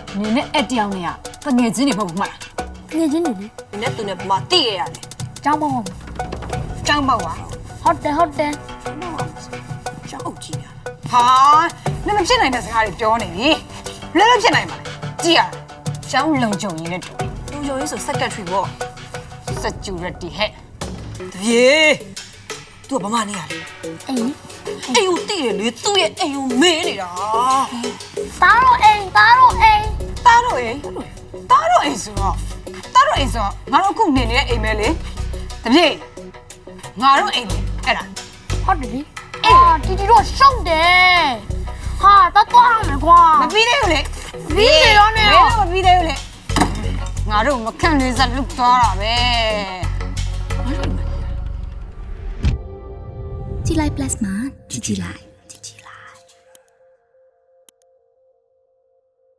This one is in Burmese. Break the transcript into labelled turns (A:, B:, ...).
A: နင်းနဲ့အဲ့တယောက်နဲ့ကငယ်ချင်းတွေမဟုတ်ဘူးမလား
B: ငယ်ချင်းတွေလေ
C: 你那都那不嘛地呀嘞，
B: ကျောင်းပေါင်း
A: ចောင်းပေါက်ပါ
B: ဟုတ်တယ်
C: 真好记呀。
A: ဟာနင်မဖြစ်နိုင်တဲ့စကားတွေပြောနေပြီလွယ်လွယ်ဖြစ်နိုင်ပါလေကြည့်ရရှောင်းလုံကြုံရင်းနဲ့တူ
C: 有有一首 secretary 不？
A: စက်ကျူရက်တီဟဲ့
C: 耶，都不嘛你呀嘞？
B: အိမ်
C: 哎呦地嘞，你都也哎呦没嘞啦。
B: သားတော့အိမ်
A: တားတော့အိမ်ဆိုတော့ငါတို့အခုနေနေတဲ့အိမ်ပဲလေတပြေငါတို့အိမ်လေအဲ့ဒါ
B: ဟုတ်တယ်လေအာတီတီတော့ရှုံးတယ်ဟာတော့သွားမယ်ကွာ
A: မပြီးသေးဘူးလေ
B: ပြီးနေတော့နေရော
A: မပြီးသေးဘူးလေငါတို့မခန့်လေးစလုသွားတာပဲ
D: ကြည်လိုက် plus မှာကြည်ကြည်လိုက်